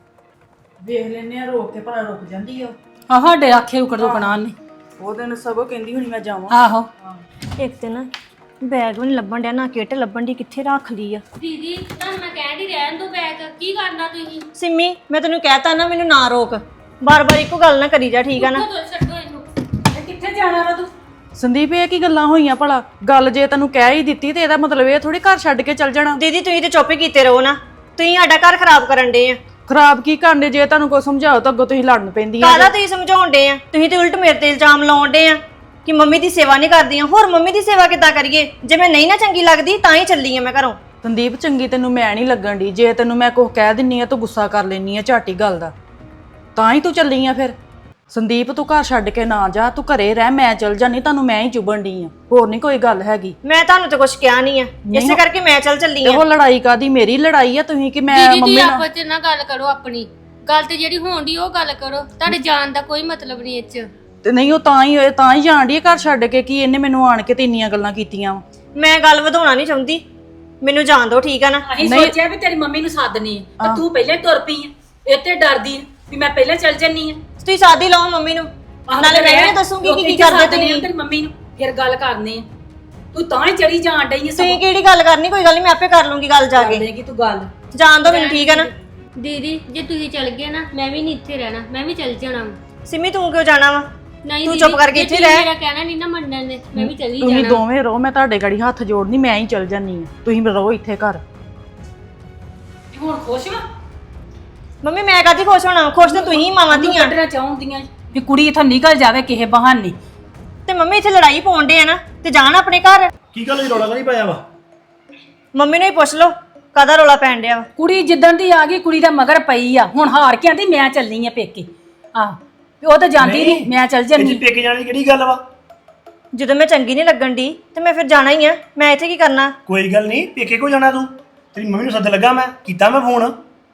Speaker 4: ਵੇਖ ਲੈਨੇ ਆ ਰੋਕ ਕੇ, ਭਲਾ ਰੁਕ ਜਾਂਦੀ ਆ ਉਹ।
Speaker 3: ਆਹ ਸਾਡੇ ਆਖੇ ਉਕੜ ਰੁਕਣਾ ਨੇ।
Speaker 4: ਉਹ ਦਿਨ ਸਗੋਂ ਕਹਿੰਦੀ ਹੁਣੀ ਮੈਂ ਜਾਵਾਂ।
Speaker 3: ਆਹੋ
Speaker 1: ਇੱਕ ਦਿਨ ਬੈਗ ਵੀ ਨੀ ਲੱਭਣ ਡਿਆ, ਨਾ ਕਿੱਟ ਲੱਭਣ ਦੀ, ਕਿੱਥੇ ਰੱਖ ਲਈ ਆ।
Speaker 2: ਦੀਦੀ ਤੁਹਾਨੂੰ ਮੈਂ ਕਹਿਣ ਦੀ ਰਹਿਣ ਦੋ ਬੈਗ, ਕੀ ਕਰਨਾ ਤੁਸੀਂ?
Speaker 1: ਸਿੰਮੀ ਮੈਂ ਤੈਨੂੰ ਕਹਿਤਾ ਨਾ ਮੈਨੂੰ ਨਾ ਰੋਕ, ਬਾਰ-ਬਾਰ ਇੱਕੋ ਗੱਲ ਨਾ ਕਰੀ ਜਾ, ਠੀਕ ਆ ਨਾ।
Speaker 2: ਉੱਠੋ ਛੱਡੋ ਇਹਨੂੰ।
Speaker 3: ਕਿੱਥੇ ਜਾਣਾ ਵਾ ਤੂੰ?
Speaker 4: ਸੰਦੀਪ ਇਹ ਕੀ ਗੱਲਾਂ ਹੋਈਆਂ ਭਲਾ? ਗੱਲ ਜੇ ਤੈਨੂੰ ਕਹਿ ਹੀ ਦਿੱਤੀ ਤੇ ਇਹਦਾ ਮਤਲਬ ਇਹ ਥੋੜੀ ਘਰ ਛੱਡ ਕੇ ਚੱਲ ਜਾਣਾ।
Speaker 1: ਦੀਦੀ ਤੁਸੀਂ ਤੇ ਚੁੱਪ ਹੀ ਕੀਤੇ ਰਹੋ ਨਾ, ਤੁਸੀਂ ਸਾਡਾ ਘਰ ਖਰਾਬ ਕਰਨ ਡੇ ਆ।
Speaker 4: ਖਰਾਬ ਕੀ ਕਰਨੇ? ਜੇ ਤੁਹਾਨੂੰ ਕੋਈ ਸਮਝਾਓ ਤਾਂ ਅੱਗੋਂ ਤੁਸੀਂ ਲੜਨ ਪੈਂਦੀਆਂ।
Speaker 1: ਕਾਹਦਾ ਤੁਸੀਂ ਸਮਝਾਉਣ ਡੇ ਆ? ਤੁਸੀਂ ਤੇ ਉਲਟ ਮੇਰੇ ਤੇ ਇਲਜ਼ਾਮ ਲਾਉਣ ਡੇ ਆ ਕਿ ਮੰਮੀ ਦੀ ਸੇਵਾ ਨਹੀਂ ਕਰਦੀਆਂ। ਹੋਰ ਮੰਮੀ ਦੀ ਸੇਵਾ ਕਿੱਦਾਂ ਕਰੀਏ? ਜੇ ਮੈਂ ਨਹੀਂ ਨਾ ਚੰਗੀ ਲੱਗਦੀ ਤਾਂ ਹੀ ਚੱਲੀ ਆ ਮੈਂ ਘਰੋਂ।
Speaker 4: ਸੰਦੀਪ ਚੰਗੀ ਤੈਨੂੰ ਮੈਂ ਨਹੀਂ ਲੱਗਣ ਦੀ, ਜੇ ਤੈਨੂੰ ਮੈਂ ਕੁਝ ਕਹਿ ਦਿੰਨੀ ਆ ਤੂੰ ਗੁੱਸਾ ਕਰ ਲੈਨੀ ਆ ਝਾਟੀ ਗੱਲ ਦਾ, ਤਾਂ ਹੀ ਤੂੰ ਚੱਲੀ ਆ। ਫਿਰ ਸੰਦੀਪ ਤੂੰ ਘਰ ਛੱਡ ਕੇ ਨਾ ਜਾ, ਤੂੰ ਘਰੇ ਰਹਿ, ਮੈਂ ਚੱਲ ਜਾਨੀ, ਤੁਹਾਨੂੰ ਮੈਂ ਹੀ ਚੁਬਣ ਦੀ ਆ, ਹੋਰ ਨਹੀਂ ਕੋਈ ਗੱਲ ਹੈਗੀ।
Speaker 1: ਮੈਂ ਤੁਹਾਨੂੰ ਤੇ ਕੁਝ ਕਿਹਾ ਨਹੀਂ ਆ, ਇਸੇ ਕਰਕੇ ਮੈਂ ਚੱਲ ਚੱਲੀ
Speaker 4: ਤੇ
Speaker 1: ਆ।
Speaker 4: ਉਹ ਲੜਾਈ ਕਾਦੀ? ਮੇਰੀ ਲੜਾਈ ਆ ਤੁਸੀਂ ਕਿ ਮੈਂ
Speaker 2: ਦੀਦੀ
Speaker 4: ਮੰਮੀ
Speaker 2: ਤੁਸੀਂ
Speaker 4: ਨਾਲ?
Speaker 2: ਆਪਸ 'ਚ ਨਾ ਗੱਲ ਕਰੋ, ਆਪਣੀ ਗੱਲ ਤੇ ਜਿਹੜੀ ਹੋਣ ਦੀ ਉਹ ਗੱਲ ਕਰੋ, ਤੁਹਾਡੇ ਜਾਣ ਦਾ ਕੋਈ ਮਤਲਬ ਨਹੀਂ ਇਹ 'ਚ।
Speaker 4: ਤੇ ਨਹੀਂ ਉਹ ਤਾਂ ਹੀ ਤਾਂ ਹੀ ਜਾਣ ਡਈ ਆ ਘਰ ਛੱਡ ਕੇ, ਕਿ ਇਹਨੇ ਮੈਨੂੰ ਆਣ ਕੇ ਤੇ ਇੰਨੀਆਂ ਗੱਲਾਂ ਕੀਤੀਆਂ ਵਾ।
Speaker 1: ਮੈਂ ਗੱਲ ਵਧਾਉਣਾ ਨਹੀਂ ਚਾਹੁੰਦੀ, ਮੈਨੂੰ ਜਾਣ ਦਿਓ, ਠੀਕ ਆ ਨਾ।
Speaker 3: ਅਸੀਂ ਸੋਚਿਆ ਵੀ ਤੇਰੀ ਮੰਮੀ ਨੂੰ ਸੱਦਨੀ ਆ ਤੇ ਤੂੰ ਪਹਿਲਾਂ ਹੀ ਤੁਰ ਪਈ ਆ, ਇੱਥੇ ਡਰਦੀ ਆ ਵੀ ਮੈਂ ਪਹਿਲਾਂ ਚੱਲ ਜੰਨੀ ਆ।
Speaker 1: ਤੁਸੀਂ ਸਾਦੀ ਲਾਓ ਮੰਮੀ ਨੂੰ, ਨਾਲੇ ਮੈਂ ਵੀ ਦੱਸੂਗੀ ਕਿ ਕੀ ਕਰਦੇ ਤੁਸੀਂ।
Speaker 3: ਤੇਰੀ ਮੰਮੀ ਨੂੰ ਫਿਰ ਗੱਲ ਕਰਨੀ ਆ, ਤੂੰ ਤਾਂ ਹੀ ਚੜੀ ਜਾਣ ਡਈ ਆ।
Speaker 1: ਤੁਸੀਂ ਕਿਹੜੀ ਗੱਲ ਕਰਨੀ? ਕੋਈ ਗੱਲ ਨਹੀਂ, ਮੈਂ ਆਪੇ ਕਰ ਲੂੰਗੀ ਗੱਲ ਜਾ ਕੇ।
Speaker 3: ਕਰੇਗੀ ਤੂੰ ਗੱਲ,
Speaker 1: ਜਾਣ ਦਿਓ ਮੈਨੂੰ, ਠੀਕ ਆ ਨਾ।
Speaker 2: ਦੀਦੀ ਜੇ ਤੁਸੀਂ ਚੱਲ ਗਏ ਨਾ ਮੈਂ ਵੀ ਨਹੀਂ ਇੱਥੇ ਰਹਿਣਾ, ਮੈਂ ਵੀ ਚੱਲ ਜਾਣਾ।
Speaker 1: ਸਿੰਮੀ ਤੂੰ ਕਿਉਂ ਜਾਣਾ ਵਾ?
Speaker 2: ਨਹੀਂ
Speaker 1: ਤੂੰ
Speaker 2: ਦੀਦੀ,
Speaker 1: ਚੁੱਪ ਕਰਕੇ
Speaker 2: ਜੇ
Speaker 1: ਇੱਥੇ
Speaker 2: ਤੁਸੀਂ
Speaker 1: ਰਹਿ।
Speaker 2: ਮੇਰਾ ਕਹਿਣਾ ਨਹੀਂ ਨਾ ਮੰਨਣ ਦੇ, ਮੈਂ ਵੀ ਚਲੀ
Speaker 4: ਤੁਸੀਂ
Speaker 2: ਜਾਣਾ।
Speaker 4: ਦੋਵੇਂ ਰਹੋ, ਮੈਂ ਤੁਹਾਡੇ ਗੜੀ ਹੱਥ ਜੋੜਨੀ, ਮੈਂ ਹੀ ਚੱਲ ਜਾਨੀ ਆ, ਤੁਸੀਂ ਰਹੋ ਇੱਥੇ ਘਰ।
Speaker 3: ਹੁਣ ਖੁਸ਼ ਵਾ?
Speaker 1: ਮੰਮੀ ਮੈਂ ਕਾਹਦੀ ਖੁਸ਼ ਹੋਣਾ? ਖੁਸ਼ ਤਾਂ ਤੁਸੀਂ ਮਾਵਾਂ ਧੀਆਂ।
Speaker 3: ਕੱਢਣਾ ਚਾਹੁੰਦੀਆਂ ਵੀ ਕੁੜੀ ਇੱਥੋਂ ਨਿਕਲ ਜਾਵੇ ਕਿਸੇ ਬਹਾਨੇ।
Speaker 1: ਤੇ ਮੰਮੀ ਇੱਥੇ ਲੜਾਈ ਪਾਉਣ ਡੇ ਆ ਨਾ, ਤੇ ਜਾਣ ਆਪਣੇ ਘਰ।
Speaker 5: ਕੀ ਗੱਲ ਜੀ, ਰੌਲਾ ਨਹੀਂ ਪਾਇਆ ਵਾ?
Speaker 1: ਮੰਮੀ ਨੂੰ ਹੀ ਪੁੱਛ ਲਓ ਕਾਹਦਾ ਰੋਲਾ ਪੈਣ ਡਿਆ ਵਾ।
Speaker 3: ਕੁੜੀ ਜਿੱਦਣ ਦੀ ਆ ਗਈ ਕੁੜੀ ਦਾ ਮਗਰ ਪਈ ਆ, ਹੁਣ ਹਾਰ ਕੇ ਆਂਦੀ ਮੈਂ ਚੱਲਣੀ ਆ ਪੇਕੇ। ਆਹ ਉਹ ਤਾਂ ਜਾਂਦੀ ਨਹੀਂ, ਮੈਂ ਚੱਲ
Speaker 5: ਇੱਥੇ
Speaker 3: ਜੰਨੀ।
Speaker 5: ਪੇਕੇ ਜਾਣ ਦੀ ਕਿਹੜੀ ਗੱਲ ਵਾ?
Speaker 1: ਜਦੋਂ ਮੈਂ ਚੰਗੀ ਨਹੀਂ ਲੱਗਣ ਦੀ ਤੇ ਮੈਂ ਫਿਰ ਜਾਣਾ ਹੀ ਆ, ਮੈਂ ਇੱਥੇ ਕੀ ਕਰਨਾ?
Speaker 5: ਕੋਈ ਗੱਲ ਨਹੀਂ, ਪੇਕੇ ਕੋ ਜਾਣਾ ਤੂੰ? ਤੇਰੀ ਮੰਮੀ ਨੂੰ ਸੱਦ ਲੱਗਾ, ਮੈਂ ਕੀਤਾ ਮੈਂ ਫੋਨ,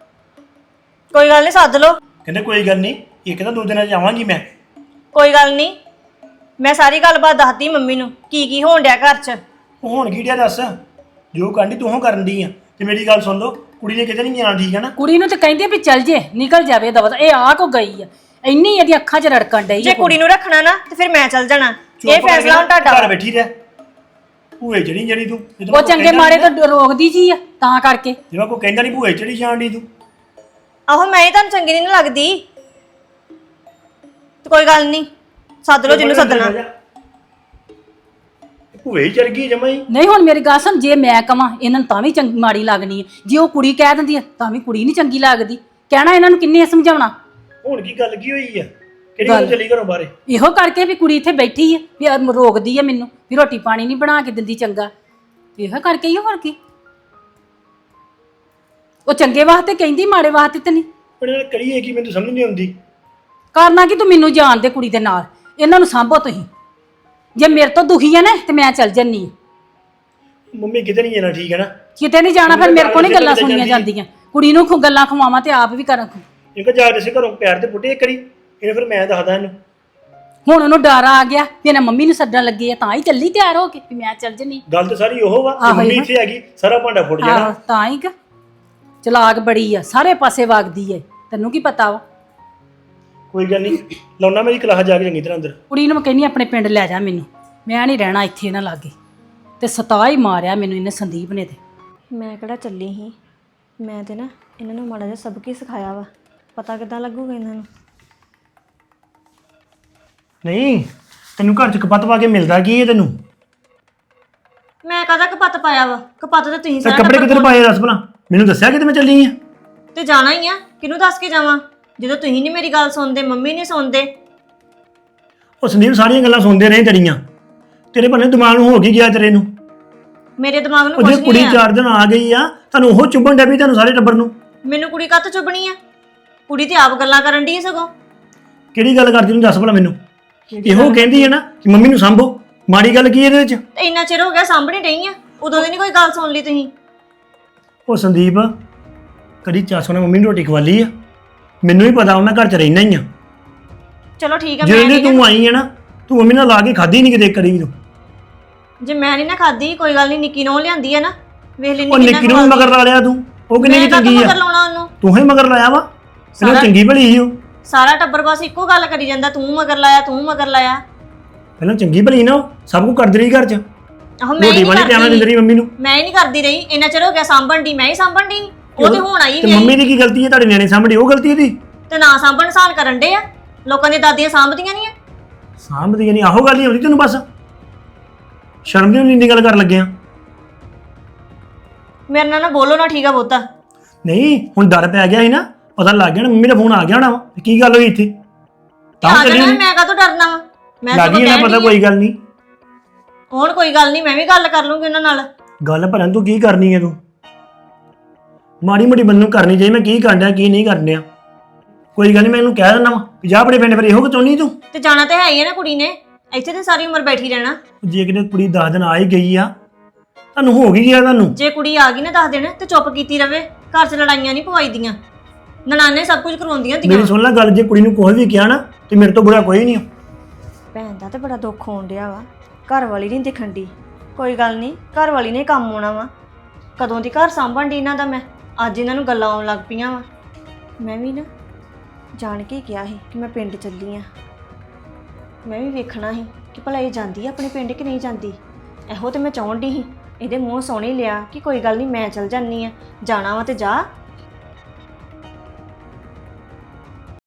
Speaker 1: ਕੋਈ ਗੱਲ ਨਹੀਂ, ਸੱਦ ਲਓ।
Speaker 5: ਕਹਿੰਦੇ ਕੋਈ ਗੱਲ ਨਹੀਂ, ਇਹ ਕਹਿੰਦਾ ਦੋ ਦਿਨਾਂ 'ਚ ਜਾਵਾਂਗੀ ਮੈਂ।
Speaker 1: ਕੋਈ ਗੱਲ ਨਹੀਂ, ਮੈਂ ਸਾਰੀ ਗੱਲਬਾਤ ਦੱਸਦੀ ਮੰਮੀ ਨੂੰ ਕੀ ਕੀ ਹੋਣ ਡਿਆ ਘਰ 'ਚ।
Speaker 5: ਉਹ ਹੁਣ ਕੀ ਡਿਆ ਦੱਸ? ਜੋ ਕਰਨੀ ਤੂੰ ਉਹ ਕਰਨ ਦੀ ਆ। ਤੇ ਮੇਰੀ ਗੱਲ ਸੁਣ ਲਓ, ਕੁੜੀ ਨੇ ਕਿਤੇ ਨਹੀਂ ਜਾਣਾ, ਠੀਕ ਹੈ ਨਾ?
Speaker 3: ਕੁੜੀ ਨੂੰ ਤਾਂ ਕਹਿੰਦੇ ਵੀ ਚੱਲ ਜੇ, ਨਿਕਲ ਜਾਵੇ ਦਵਾ। ਇਹ ਆ ਕੋ ਗਈ ਆ, ਇੰਨੀ ਇਹਦੀ ਅੱਖਾਂ 'ਚ ਰੜਕਣ ਡਈ
Speaker 1: ਜੇ
Speaker 3: ਆ।
Speaker 1: ਕੁੜੀ ਨੂੰ ਰੱਖਣਾ ਨਾ ਤੇ ਫਿਰ ਮੈਂ ਚੱਲ ਜਾਣਾ,
Speaker 5: ਚੁੱਪ
Speaker 1: ਇਹ ਫੈਸਲਾ ਹੁਣ
Speaker 5: ਕਰਕੇ
Speaker 1: ਤੁਹਾਡਾ
Speaker 5: ਘਰ
Speaker 1: ਵਾ।
Speaker 5: ਬੈਠੀ ਰਹਿ, ਭੂਏ ਚੜੀ ਜਿਹੜੀ ਤੂੰ।
Speaker 3: ਉਹ ਚੰਗੇ ਮਾੜੇ ਤੋਂ ਰੋਕਦੀ ਜੀ ਆ, ਤਾਂ ਕਰਕੇ।
Speaker 5: ਜਿਵੇਂ ਕੋਈ ਕਹਿੰਦਾ ਨਹੀਂ ਭੂਏ ਚੜੀ ਜਾਣ ਦੀ ਤੂੰ।
Speaker 1: ਆਹੋ ਮੈਂ ਹੀ ਤੁਹਾਨੂੰ ਚੰਗੀ ਨਹੀਂ ਲੱਗਦੀ, ਤੇ ਕੋਈ ਗੱਲ ਨਹੀਂ, ਸੱਦ ਲਓ ਜਿਹਨੂੰ ਸੱਦਣਾ।
Speaker 5: ਭੂਏ ਹੀ ਚੜ ਗਈ ਜਮਾ ਹੀ।
Speaker 3: ਨਹੀਂ ਹੁਣ ਮੇਰੀ ਗੱਲ ਸੁਣ, ਜੇ ਮੈਂ ਕਵਾਂ ਇਹਨਾਂ ਨੂੰ ਤਾਂ ਵੀ ਚੰਗੀ ਮਾੜੀ ਲੱਗਣੀ ਹੈ, ਜੇ ਉਹ ਕੁੜੀ ਕਹਿ ਦਿੰਦੀ ਹੈ ਤਾਂ ਵੀ ਕੁੜੀ ਨਹੀਂ ਚੰਗੀ ਲੱਗਦੀ। ਕਹਿਣਾ ਇਹਨਾਂ ਨੂੰ ਕਿੰਨੇ ਸਮਝਾਉਣਾ।
Speaker 5: ਹੁਣ ਕੀ ਗੱਲ ਕੀ ਹੋਈ ਆ? ਕਿਹੜੀ ਗੱਲ ਚੱਲੀ ਘਰੋਂ ਬਾਹਰੇ?
Speaker 3: ਇਹੋ ਕਰਕੇ ਵੀ ਕੁੜੀ ਇੱਥੇ ਬੈਠੀ ਹੈ, ਵੀ ਆਹ ਰੋਕਦੀ ਹੈ ਮੈਨੂੰ, ਵੀ ਰੋਟੀ ਪਾਣੀ ਨਹੀਂ ਬਣਾ ਕੇ ਦਿੰਦੀ ਚੰਗਾ। ਇਹੋ ਕਰਕੇ ਹੀ ਹੋਰ ਕੀ। ਉਹ ਚੰਗੇ ਵਾਸਤੇ ਕਹਿੰਦੀ, ਮਾੜੇ ਵਾਸਤੇ ਤੇ ਨਹੀਂ।
Speaker 5: ਪਰ ਇਹਨਾਂ ਕਰੀਏ ਕੀ, ਮੈਨੂੰ ਸਮਝ ਨਹੀਂ ਆਉਂਦੀ।
Speaker 3: ਕਰਨਾ ਕਿ ਤੂੰ ਮੈਨੂੰ ਜਾਣ ਦੇ ਕੁੜੀ ਦੇ ਨਾਲ, ਇਹਨਾਂ ਨੂੰ ਸਾਂਭੋ ਤੁਸੀਂ। ਜੇ ਮੇਰੇ ਤੋਂ ਦੁਖੀ ਹੈ ਨਾ ਤੇ ਮੈਂ ਚੱਲ ਜੰਨੀ ਹਾਂ।
Speaker 5: ਮੰਮੀ ਕਿਤੇ ਨਹੀਂ ਜਾਣਾ, ਠੀਕ ਹੈ ਨਾ?
Speaker 3: ਕਿਤੇ ਨਹੀਂ ਜਾਣਾ, ਫਿਰ ਮੇਰੇ ਕੋਲ ਨਹੀਂ ਗੱਲਾਂ ਸੁਣੀਆਂ ਜਾਂਦੀਆਂ। ਕੁੜੀ ਨੂੰ ਖੁ ਗੱਲਾਂ ਖਵਾਵਾਂ ਤੇ ਆਪ ਵੀ ਕਰਾਂ।
Speaker 5: ਇਹ ਜਾ ਕੇ ਘਰੋਂ ਪਿਆਰ ਤੇ ਪੁੱਟੇ ਇੱਕ ਵਾਰੀ, ਇਹਨੇ ਫਿਰ ਮੈਂ ਦੱਸਦਾ ਇਹਨੂੰ।
Speaker 3: ਹੁਣ ਉਹਨੂੰ ਡਰ ਆ ਗਿਆ ਵੀ ਇਹਨਾਂ ਮੰਮੀ ਨੂੰ ਸੱਦਣ ਲੱਗੇ ਆ, ਤਾਂ ਹੀ ਚੱਲੀ ਤਿਆਰ ਹੋ ਕੇ ਵੀ ਮੈਂ ਚੱਲ ਜੰਨੀ।
Speaker 5: ਗੱਲ ਤਾਂ ਸਾਰੀ ਉਹ ਵਾ ਕਿ ਮੰਮੀ ਇੱਥੇ ਆ ਗਈ, ਸਾਰਾ ਭਾਂਡਾ ਫੁੱਟ
Speaker 3: ਆਹੋ
Speaker 5: ਜਾਣਾ।
Speaker 3: ਤਾਂ ਹੀ ਕਿ ਚਲਾਕ ਬੜੀ ਆ, ਸਾਰੇ ਪਾਸੇ ਵਗਦੀ ਏ, ਤੈਨੂੰ ਕੀ ਪਤਾ ਵਾ।
Speaker 5: ਕੋਈ ਗੱਲ ਨਹੀਂ, ਲਾਉਣਾ ਮੇਰੀ ਕਲਾਸ ਜਾ ਕੇ ਚੰਗੀ ਤਰ੍ਹਾਂ ਅੰਦਰ।
Speaker 3: ਕੁੜੀ ਨੂੰ ਮੈਂ ਕਹਿੰਦੀ ਆਪਣੇ ਪਿੰਡ ਲੈ ਜਾ ਮੈਨੂੰ, ਮੈਂ ਨਹੀਂ ਰਹਿਣਾ ਇੱਥੇ ਇਹਨਾਂ ਲਾਗੇ। ਤੇ ਸਤਾ ਹੀ ਮਾਰਿਆ ਮੈਨੂੰ ਇਹਨੇ ਸੰਦੀਪ ਨੇ। ਤੇ
Speaker 1: ਮੈਂ ਕਿਹੜਾ ਚੱਲੀ ਸੀ, ਮੈਂ ਤੇ ਨਾ ਇਹਨਾਂ ਨੂੰ ਮਾੜਾ ਜਿਹਾ ਸਬਕ ਹੀ ਸਿਖਾਇਆ ਵਾ, ਪਤਾ ਕਿੱਦਾਂ ਲੱਗੂਗਾ ਇਹਨਾਂ ਨੂੰ।
Speaker 5: ਨਹੀਂ ਤੈਨੂੰ ਘਰ ਚ ਕਪੱਤ ਪਾ ਕੇ ਮਿਲਦਾ ਕੀ ਹੈ ਤੈਨੂੰ?
Speaker 1: ਮੈਂ ਕਾਹਦਾ ਕਪੱਤ ਪਾਇਆ ਵਾ? ਕਪੱਤ ਤਾਂ ਤੁਸੀਂ
Speaker 5: ਤੇ
Speaker 1: ਸਾਰਾ
Speaker 5: ਕੱਪੜੇ
Speaker 1: ਟੱਬਰ
Speaker 5: ਕਿੱਧਰ ਪਾਏ ਦੱਸ ਭਲਾ, ਮੈਨੂੰ ਦੱਸਿਆ ਕਿਤੇ ਮੈਂ ਚੱਲੀ ਆ?
Speaker 1: ਤੇ ਜਾਣਾ ਹੀ ਆ, ਕਿਹਨੂੰ ਦੱਸ ਕੇ ਜਾਵਾਂ ਜਦੋਂ ਤੁਸੀਂ ਨਹੀਂ ਮੇਰੀ ਗੱਲ ਸੁਣਦੇ, ਮੰਮੀ ਨਹੀਂ ਸੁਣਦੇ।
Speaker 5: ਉਹ ਸੰਦੀਪ ਸਾਰੀਆਂ ਗੱਲਾਂ ਸੁਣਦੇ ਰਹੇ ਤੇਰੀਆਂ, ਤੇਰੇ ਭੰਨੇ ਦਿਮਾਗ ਨੂੰ ਹੋ ਕੀ ਗਿਆ ਤੇਰੇ ਨੂੰ?
Speaker 1: ਮੇਰੇ ਦਿਮਾਗ ਨੂੰ
Speaker 5: ਉਹ
Speaker 1: ਕੁਝ
Speaker 5: ਜੇ
Speaker 1: ਨਹੀਂ
Speaker 5: ਕੁੜੀ
Speaker 1: ਆ।
Speaker 5: ਚਾਰ ਦਿਨ ਆ ਗਈ ਆ, ਤੁਹਾਨੂੰ ਉਹ ਚੁੱਭਣ ਡੈ ਪਈ ਤੁਹਾਨੂੰ ਸਾਰੇ ਟੱਬਰ ਨੂੰ।
Speaker 1: ਮੈਨੂੰ ਕੁੜੀ ਕੱਤ ਚੁੱਭਣੀ ਆ? ਕੁੜੀ ਤੇ ਆਪ ਗੱਲਾਂ ਕਰਨ ਦੀ ਸਗੋਂ।
Speaker 5: ਕਿਹੜੀ ਗੱਲ ਕਰਦੀ ਤੂੰ ਦੱਸ ਭਲਾ ਮੈਨੂੰ? ਇਹੋ ਕਹਿੰਦੀ ਹੈ ਨਾ ਕਿ ਮੰਮੀ ਨੂੰ ਸਾਂਭੋ, ਮਾੜੀ ਗੱਲ ਕੀ ਇਹਦੇ ਵਿੱਚ?
Speaker 1: ਤੇ ਇੰਨਾ ਚਿਰ ਹੋ ਗਿਆ ਸਾਂਭਣੀ ਡਈ ਆ, ਉਦੋਂ ਦੀ ਨਹੀਂ ਕੋਈ ਗੱਲ ਸੁਣ ਲਈ ਤੁਸੀਂ।
Speaker 5: ਉਹ ਸੰਦੀਪ ਕਦੀ ਚਾਸੋ ਨੇ ਮੰਮੀ ਨੂੰ ਰੋਟੀ ਖਵਾਲੀ ਆ? ਮੈਨੂੰ ਹੀ ਪਤਾ ਮੈਂ ਘਰ ਚ ਰਹਿਣਾ ਹੀ ਆ।
Speaker 1: ਚਲੋ ਠੀਕ ਆ, ਮੈਂ
Speaker 5: ਜਿਹੜੇ
Speaker 1: ਨਹੀਂ
Speaker 5: ਤੂੰ ਆਈ ਹੈ ਨਾ, ਤੂੰ ਮੰਮੀ ਨਾਲ ਲਾ ਕੇ ਖਾਧੀ ਨਹੀਂ ਕਿਤੇ ਕਰੀ ਵੀ ਤੂੰ।
Speaker 1: ਜੇ ਮੈਂ ਨਹੀਂ ਨਾ ਖਾਦੀ ਕੋਈ ਗੱਲ ਨਹੀਂ, ਨਿੱਕੀ ਨੂੰ ਲਿਆਂਦੀ ਆ ਨਾ, ਵੇਖ ਲੈਣੀ
Speaker 5: ਉਹ ਨਿੱਕੀ ਨੂੰ ਵੀ ਮਗਰ ਲਾ ਲਿਆ ਤੂੰ, ਉਹ ਕਿੰਨੀ ਕੁ ਚੰਗੀ
Speaker 1: ਮਗਰ
Speaker 5: ਆ?
Speaker 1: ਲਾਉਣਾ ਉਹਨੂੰ,
Speaker 5: ਤੂੰ ਹੀ ਮਗਰ ਲਾਇਆ ਵਾ, ਇਹਨੂੰ
Speaker 1: ਸਾਰਾ-
Speaker 5: ਚੰਗੀ ਭਲੀ ਸੀ ਉਹ।
Speaker 1: ਸਾਰਾ ਟੱਬਰ ਬਸ ਇੱਕੋ ਗੱਲ ਕਰੀ ਜਾਂਦਾ, ਤੂੰ ਮਗਰ ਲਾਇਆ ਤੂੰ ਮਗਰ ਲਾਇਆ।
Speaker 5: ਪਹਿਲਾਂ ਚੰਗੀ ਭਲੀ ਨਾ ਉਹ, ਸਭ ਕੁਝ ਕਰਦੀ ਰਹੀ ਘਰ ਚ,
Speaker 1: ਆਹੋ ਮੈਂ ਹੀ
Speaker 5: ਰੋਟੀ
Speaker 1: ਨਹੀਂ
Speaker 5: ਵਾਲੀ ਟਾਈਮ ਨਾਲ ਦਿੰਦੀ
Speaker 1: ਕਰਦੀ,
Speaker 5: ਰਹੀ ਮੰਮੀ ਨੂੰ।
Speaker 1: ਮੈਂ ਹੀ ਨਹੀਂ ਕਰਦੀ ਰਹੀ, ਇੰਨਾ ਚਿਰ ਹੋ ਗਿਆ ਸਾਂਭਣ ਦੀ, ਮੈਂ ਹੀ ਸਾਂਭਣ ਦੀ। ਉਹ ਤੇ ਹੁਣ ਆਈ
Speaker 5: ਤੇ
Speaker 1: ਵੀ
Speaker 5: ਮੰਮੀ
Speaker 1: ਆਈ
Speaker 5: ਦੀ ਕੀ ਗਲਤੀ ਹੈ? ਤੁਹਾਡੇ ਨਿਆਣੇ ਸਾਹਮਣੇ ਉਹ ਗਲਤੀ ਇਹਦੀ?
Speaker 1: ਤੇ ਨਾ ਸਾਂਭਣ ਸਾਨ ਕਰਨ ਦੇ ਆ, ਲੋਕਾਂ ਦੀਆਂ ਦਾਦੀਆਂ ਸਾਂਭਦੀਆਂ ਨਹੀਂ ਆ।
Speaker 5: ਸਾਂਭਦੀ ਨਹੀਂ, ਆਹੋ ਗੱਲ ਹੀ ਆਉਂਦੀ ਤੈਨੂੰ ਬਸ, ਸ਼ਰਮ ਦੀ ਇੰਨੀ ਗੱਲ ਕਰਨ ਲੱਗਿਆ।
Speaker 1: ਮੇਰੇ ਨਾਲ ਨਾ ਬੋਲੋ ਨਾ, ਠੀਕ ਆ ਬਹੁਤਾ।
Speaker 5: ਨਹੀਂ ਹੁਣ ਡਰ ਪੈ ਗਿਆ ਸੀ ਨਾ, ਪਤਾ ਲੱਗ ਗਿਆ ਨਾ ਮੰਮੀ ਦਾ ਫੋਨ ਆ ਗਿਆ ਹੋਣਾ ਵਾ, ਤੇ ਕੀ ਗੱਲ ਹੋਈ ਇੱਥੇ? ਤਾਂ
Speaker 1: ਆ
Speaker 5: ਚੱਲੀ
Speaker 1: ਜਾਣਾ, ਮੈਂ ਕਾਹਤੋਂ ਡਰਨਾ ਵਾ? ਮੈਂ
Speaker 5: ਲੱਗ
Speaker 1: ਸਗੋਂ
Speaker 5: ਗਈ ਨਾ
Speaker 1: ਕਹਿਣ
Speaker 5: ਪਤਾ,
Speaker 1: ਡਈ ਆ।
Speaker 5: ਕੋਈ ਗੱਲ ਨਹੀਂ।
Speaker 1: ਹੁਣ ਕੋਈ ਗੱਲ ਨਹੀਂ, ਮੈਂ ਵੀ ਗੱਲ ਕਰ ਲੂੰਗੀ ਉਹਨਾਂ ਨਾਲ।
Speaker 5: ਗੱਲ ਭਰਨ ਤੂੰ ਕੀ ਕਰਨੀ ਹੈ? ਤੂੰ ਮਾੜੀ ਮੋਟੀ ਬੰਦੇ ਨੂੰ ਕਰਨੀ ਚਾਹੀਦੀ, ਮੈਂ ਕੀ ਕਰਨ ਡਿਆ ਕੀ ਨਹੀਂ ਕਰਨ ਡਿਆ। ਕੋਈ ਗੱਲ ਨਹੀਂ, ਮੈਂ ਇਹਨੂੰ ਕਹਿ ਦਿੰਦਾ ਵਾ ਵੀ ਜਾ ਆਪਣੇ ਪਿੰਡ, ਫਿਰ ਇਹੋ ਕਿ ਚਾਹੁੰਦੀ ਤੂੰ?
Speaker 1: ਤੇ ਜਾਣਾ ਤੇ ਹੈ ਹੀ ਆ ਨਾ ਕੁੜੀ ਨੇ, ਇੱਥੇ ਤੇ ਸਾਰੀ ਉਮਰ ਬੈਠੀ ਰਹਿਣਾ।
Speaker 5: ਜੇ ਕਿਤੇ ਕੁੜੀ ਦਸ ਦਿਨ ਆ ਹੀ ਗਈ ਆ, ਤੁਹਾਨੂੰ ਹੋ ਗਈ ਗਿਆ ਤੁਹਾਨੂੰ?
Speaker 1: ਜੇ ਕੁੜੀ ਆ ਗਈ ਨਾ ਦਸ ਦਿਨ ਤੇ ਚੁੱਪ ਕੀਤੀ ਰਵੇ, ਘਰ 'ਚ ਲੜਾਈਆਂ ਨਹੀਂ ਪਵਾਈਦੀਆਂ, ਨਨਾਣੇ ਸਭ ਕੁਝ ਕਰਵਾਉਂਦੀਆਂ ਹੁੰਦੀਆਂ।
Speaker 5: ਮੇਰੀ ਸੁਣ ਲੈ ਗੱਲ, ਜੇ ਕੁੜੀ ਨੂੰ ਕੋਈ ਵੀ ਕਿਹਾ ਨਾ ਤੇ ਮੇਰੇ ਤੋਂ ਬੁਰਾ ਕੋਈ ਨਹੀਂ।
Speaker 1: ਭੈਣ ਦਾ ਤੇ ਬੜਾ ਦੁੱਖ ਹੋਣ ਡਿਆ ਵਾ, ਘਰ ਵਾਲੀ ਨਹੀਂ ਦਿਖਣ ਦੀ। ਕੋਈ ਗੱਲ ਨਹੀਂ, ਘਰ ਵਾਲੀ ਨੇ ਕੰਮ ਆਉਣਾ ਵਾ, ਕਦੋਂ ਦੀ ਘਰ ਸਾਂਭਣ ਦੀ ਇਹਨਾਂ ਦਾ ਮੈਂ, ਅੱਜ ਇਹਨਾਂ ਨੂੰ ਗੱਲਾਂ ਆਉਣ ਲੱਗ ਪਈਆਂ ਵਾ। ਮੈਂ ਵੀ ਨਾ ਜਾਣ ਕੇ ਕਿਹਾ ਸੀ ਕਿ ਮੈਂ ਪਿੰਡ ਚੱਲੀ ਆ, ਮੈਂ ਵੀ ਵੇਖਣਾ ਸੀ ਕਿ ਭਲਾ ਇਹ ਜਾਂਦੀ ਆ ਆਪਣੇ ਪਿੰਡ ਕਿ ਨਹੀਂ ਜਾਂਦੀ। ਇਹੋ ਤੇ ਮੈਂ ਚਾਹੁਣ ਦੀ ਸੀ, ਇਹਦੇ ਮੂੰਹ ਸੋਹਣੇ ਲਿਆ ਕਿ ਕੋਈ ਗੱਲ ਨਹੀਂ ਮੈਂ ਚੱਲ ਜਾਂਦੀ ਆ, ਜਾਣਾ ਵਾ ਤੇ ਜਾ,